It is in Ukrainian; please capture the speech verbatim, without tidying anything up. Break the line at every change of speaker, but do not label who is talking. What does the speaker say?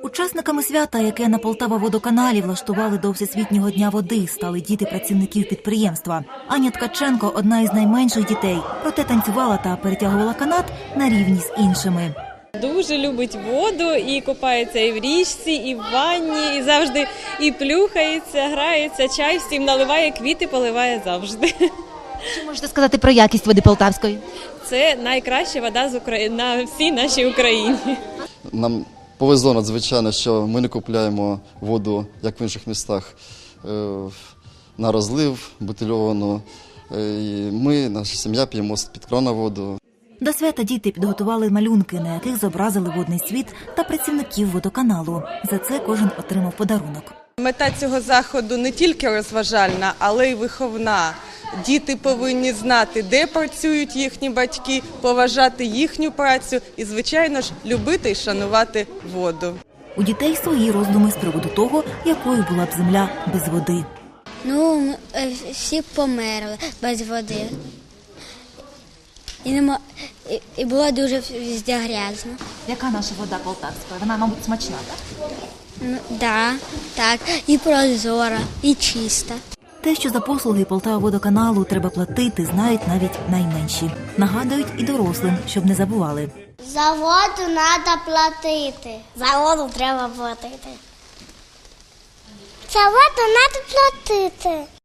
Учасниками свята, яке на Полтава-водоканалі влаштували до Всесвітнього дня води, стали діти працівників підприємства. Аня Ткаченко – одна із найменших дітей, проте танцювала та перетягувала канат на рівні з іншими.
Дуже любить воду і купається і в річці, і в ванні, і завжди і плюхається, грається, чай всім наливає, квіти поливає завжди.
Що можете сказати про якість води полтавської?
Це найкраща вода з України на всій нашій Україні.
Нам повезло надзвичайно, що ми не купуємо воду, як в інших містах, на розлив, бутильовану. І ми, наша сім'я, п'ємо з-під крана воду.
До свята діти підготували малюнки, на яких зобразили водний світ та працівників водоканалу. За це кожен отримав подарунок.
Мета цього заходу не тільки розважальна, але й виховна. Діти повинні знати, де працюють їхні батьки, поважати їхню працю і, звичайно ж, любити і шанувати воду.
У дітей свої роздуми з приводу того, якою була б земля без води.
Ну, всі померли без води. І, нема... і було дуже везде грязно.
Яка наша вода полтавська? Вона, мабуть, смачна, так?
Ну, да, так, і прозора, і чиста.
Те, що за послуги Полтава-водоканалу треба платити, знають навіть найменші. Нагадують і дорослим, щоб не забували.
За воду треба платити. За воду треба платити. За воду треба платити.